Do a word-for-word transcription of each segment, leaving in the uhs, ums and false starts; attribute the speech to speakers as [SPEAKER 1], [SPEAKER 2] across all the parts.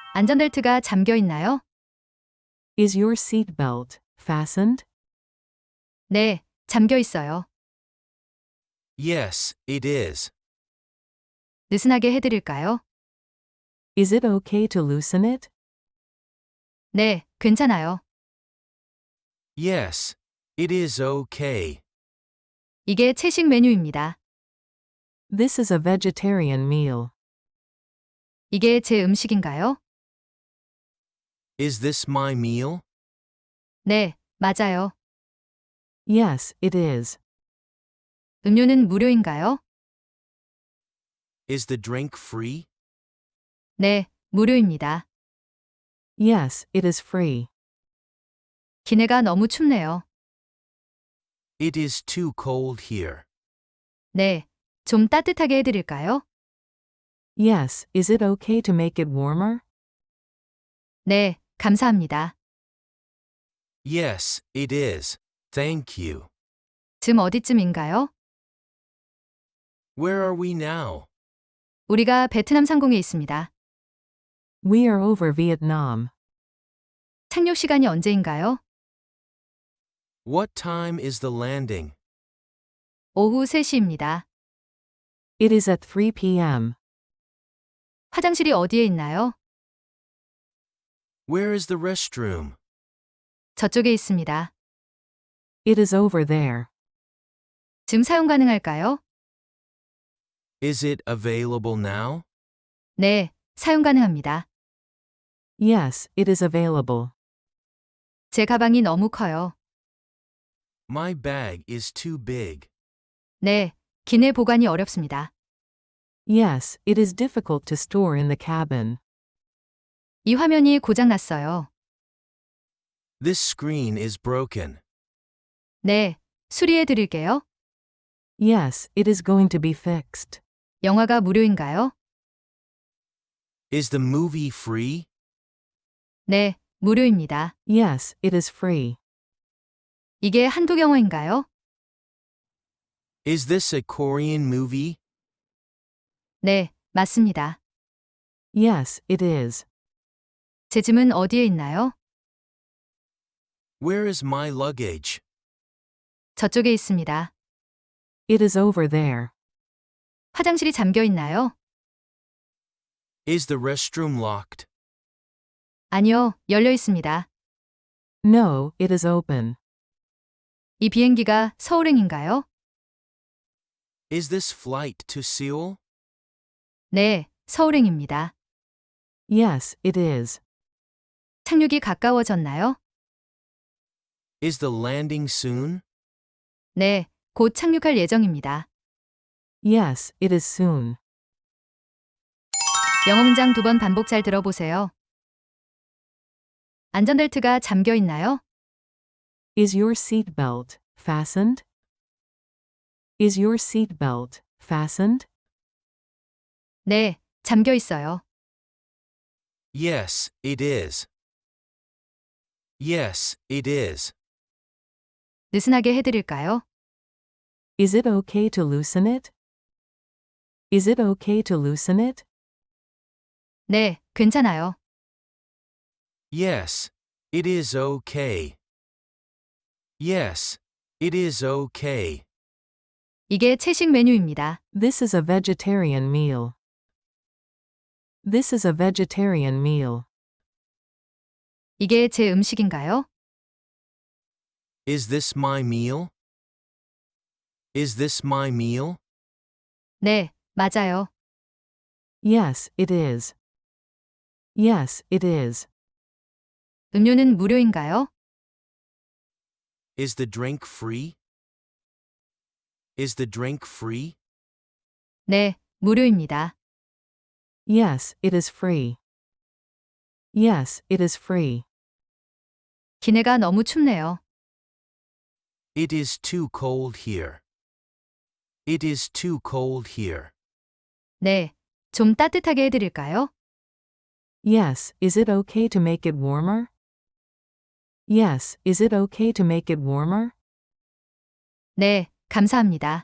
[SPEAKER 1] 안전벨트가 잠겨 있나요?
[SPEAKER 2] Is your seatbelt fastened?
[SPEAKER 1] 네, 잠겨 있어요.
[SPEAKER 3] Yes, it is.
[SPEAKER 1] 느슨하게 해드릴까요?
[SPEAKER 2] Is it okay to loosen it?
[SPEAKER 1] 네, 괜찮아요.
[SPEAKER 3] Yes, it is okay.
[SPEAKER 1] 이게 채식 메뉴입니다.
[SPEAKER 2] This is a vegetarian meal.
[SPEAKER 1] 이게 제 음식인가요?
[SPEAKER 3] Is this my meal?
[SPEAKER 1] 네, 맞아요.
[SPEAKER 2] Yes, it is.
[SPEAKER 1] 음료는 무료인가요?
[SPEAKER 3] Is the drink free?
[SPEAKER 1] 네, 무료입니다.
[SPEAKER 2] Yes, it is free.
[SPEAKER 1] 기내가 너무 춥네요.
[SPEAKER 3] It is too cold here.
[SPEAKER 1] 네, 좀 따뜻하게 해드릴까요?
[SPEAKER 2] Yes, is it okay to make it warmer?
[SPEAKER 1] 네, 감사합니다.
[SPEAKER 3] Yes, it is. Thank you.
[SPEAKER 1] 지금 어디쯤인가요?
[SPEAKER 3] Where are we now?
[SPEAKER 1] 우리가 베트남 상공에 있습니다.
[SPEAKER 2] We are over Vietnam.
[SPEAKER 1] 착륙 시간이 언제인가요?
[SPEAKER 3] What time is the landing?
[SPEAKER 1] 오후 세 시입니다.
[SPEAKER 2] It is at three p.m.
[SPEAKER 1] 화장실이 어디에 있나요?
[SPEAKER 3] Where is the restroom?
[SPEAKER 1] 저쪽에 있습니다.
[SPEAKER 2] It is over there.
[SPEAKER 1] 지금 사용 가능할까요?
[SPEAKER 3] Is it available now?
[SPEAKER 1] 네, 사용 가능합니다.
[SPEAKER 2] Yes, it is available.
[SPEAKER 1] 제 가방이 너무 커요.
[SPEAKER 3] My bag is too big.
[SPEAKER 1] 네, 기내 보관이 어렵습니다.
[SPEAKER 2] Yes, it is difficult to store in the cabin.
[SPEAKER 1] 이 화면이 고장 났어요.
[SPEAKER 3] This screen is broken.
[SPEAKER 1] 네, 수리해 드릴게요.
[SPEAKER 2] Yes, it is going to be fixed.
[SPEAKER 1] 영화가 무료인가요?
[SPEAKER 3] Is the movie free?
[SPEAKER 1] 네, 무료입니다.
[SPEAKER 2] Yes, it is free.
[SPEAKER 1] 이게 한국 영화인가요?
[SPEAKER 3] Is this a Korean movie?
[SPEAKER 1] 네, 맞습니다.
[SPEAKER 2] Yes, it is.
[SPEAKER 1] 제 짐은 어디에 있나요?
[SPEAKER 3] Where is my luggage?
[SPEAKER 1] 저쪽에 있습니다.
[SPEAKER 2] It is over there.
[SPEAKER 1] 화장실이 잠겨 있나요?
[SPEAKER 3] Is the restroom locked?
[SPEAKER 1] 아니요, 열려 있습니다.
[SPEAKER 2] No, it is open.
[SPEAKER 1] 이 비행기가 서울행인가요?
[SPEAKER 3] Is this flight to Seoul?
[SPEAKER 1] 네, 서울행입니다.
[SPEAKER 2] Yes, it is.
[SPEAKER 1] 착륙이 가까워졌나요?
[SPEAKER 3] Is the landing soon?
[SPEAKER 1] 네, 곧 착륙할 예정입니다.
[SPEAKER 2] Yes, it is soon.
[SPEAKER 1] 영어 문장 두 번 반복 잘 들어보세요. 안전벨트가 잠겨 있나요?
[SPEAKER 2] Is your seatbelt fastened? Is your seatbelt fastened?
[SPEAKER 1] 네, 잠겨 있어요.
[SPEAKER 3] Yes, it is. Yes, it is.
[SPEAKER 1] 느슨하게 해드릴까요?
[SPEAKER 2] Is it okay to loosen it? Is it okay to loosen it?
[SPEAKER 1] 네, 괜찮아요.
[SPEAKER 3] Yes, it is okay. Yes, it is okay.
[SPEAKER 1] 이게 채식 메뉴입니다.
[SPEAKER 2] This is a vegetarian meal. This is a vegetarian meal.
[SPEAKER 1] 이게 제 음식인가요?
[SPEAKER 3] Is this my meal? Is this my meal?
[SPEAKER 1] 네, 맞아요.
[SPEAKER 2] Yes, it is. Yes, it is.
[SPEAKER 1] 음료는 무료인가요?
[SPEAKER 3] Is the drink free? Is the drink free?
[SPEAKER 1] 네, 무료입니다.
[SPEAKER 2] Yes, it is free. Yes, it is free.
[SPEAKER 1] 기내가 너무 춥네요.
[SPEAKER 3] It is too cold here. It is too cold here.
[SPEAKER 1] 네, 좀 따뜻하게 해드릴까요?
[SPEAKER 2] Yes, is it okay to make it warmer? Yes, is it okay to make it warmer?
[SPEAKER 1] 네, 감사합니다.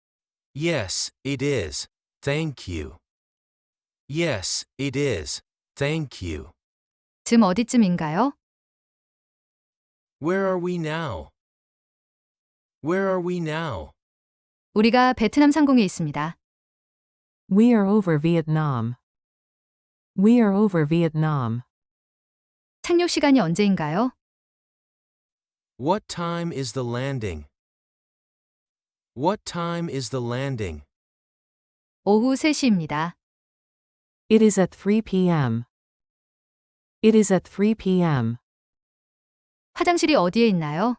[SPEAKER 3] Yes, it is. Thank you. Yes, it is. Thank you.
[SPEAKER 1] 지금 어디쯤인가요?
[SPEAKER 3] Where are we now? Where are we now?
[SPEAKER 1] 우리가 베트남 상공에 있습니다.
[SPEAKER 2] We are over Vietnam. We are over Vietnam.
[SPEAKER 1] 착륙 시간이 언제인가요?
[SPEAKER 3] What time is the landing? What time is the landing?
[SPEAKER 1] 오후 세 시입니다.
[SPEAKER 2] It is at three p.m. It is at three p.m.
[SPEAKER 1] 화장실이 어디에 있나요?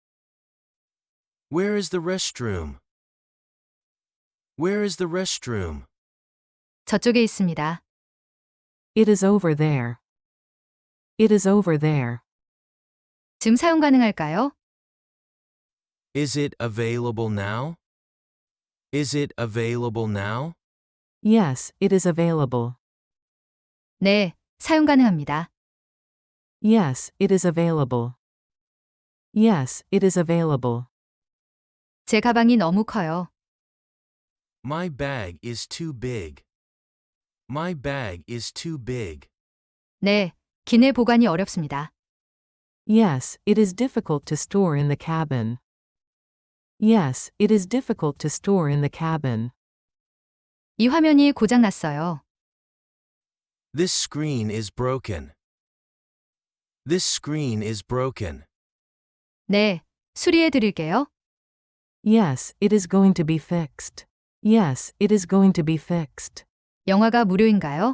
[SPEAKER 3] Where is the restroom? Where is the restroom?
[SPEAKER 1] 저쪽에 있습니다.
[SPEAKER 2] It is over there. It is over there.
[SPEAKER 1] 지금 사용 가능할까요?
[SPEAKER 3] Is it available now? Is it available now?
[SPEAKER 2] Yes, it is available.
[SPEAKER 1] 네, 사용 가능합니다.
[SPEAKER 2] Yes, it is available. Yes, it is available.
[SPEAKER 1] 제 가방이 너무 커요.
[SPEAKER 3] My bag is too big. My bag is too big.
[SPEAKER 1] 네, 기내 보관이 어렵습니다.
[SPEAKER 2] Yes, it is difficult to store in the cabin. Yes, it is difficult to store in the cabin.
[SPEAKER 1] 이 화면이 고장 났어요.
[SPEAKER 3] This screen is broken. This screen is broken.
[SPEAKER 1] 네, 수리해 드릴게요.
[SPEAKER 2] Yes, it is going to be fixed. Yes, it is going to be fixed.
[SPEAKER 1] 영화가 무료인가요?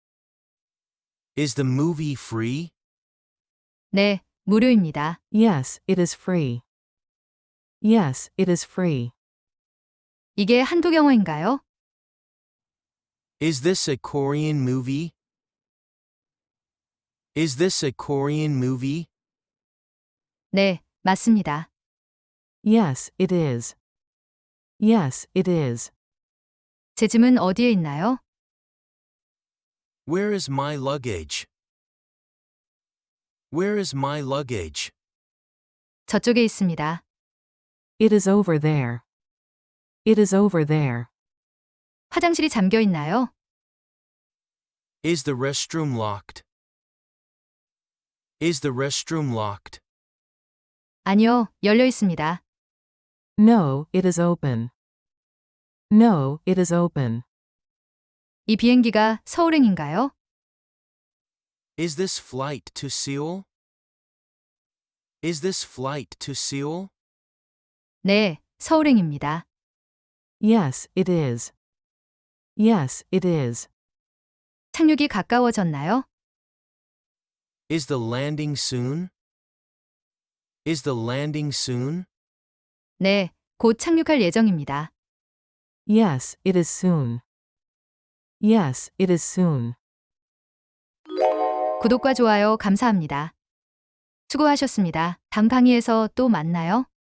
[SPEAKER 3] Is the movie free?
[SPEAKER 1] 네, 무료입니다.
[SPEAKER 2] Yes, it is free. Yes, it is free.
[SPEAKER 1] 이게 한국 영화인가요?
[SPEAKER 3] Is this a Korean movie? Is this a Korean movie?
[SPEAKER 1] 네, 맞습니다.
[SPEAKER 2] Yes, it is. Yes, it is.
[SPEAKER 1] 제 짐은 어디에 있나요?
[SPEAKER 3] Where is my luggage? Where is my luggage?
[SPEAKER 1] 저쪽에 있습니다.
[SPEAKER 2] It is over there. It is over there.
[SPEAKER 1] 화장실이 잠겨 있나요?
[SPEAKER 3] Is the restroom locked? Is the restroom locked?
[SPEAKER 1] 아니요, 열려 있습니다.
[SPEAKER 2] No, it is open. No, it is open.
[SPEAKER 1] 이 비행기가 서울행인가요?
[SPEAKER 3] Is this flight to Seoul? Is this flight to Seoul?
[SPEAKER 1] 네, 서울행입니다.
[SPEAKER 2] Yes, it is. Yes, it is.
[SPEAKER 1] 착륙이 가까워졌나요?
[SPEAKER 3] Is the landing soon? Is the landing soon?
[SPEAKER 1] 네, 곧 착륙할 예정입니다.
[SPEAKER 2] Yes, it is soon. Yes, it is soon.
[SPEAKER 1] 구독과 좋아요 감사합니다. 수고하셨습니다. 다음 강의에서 또 만나요.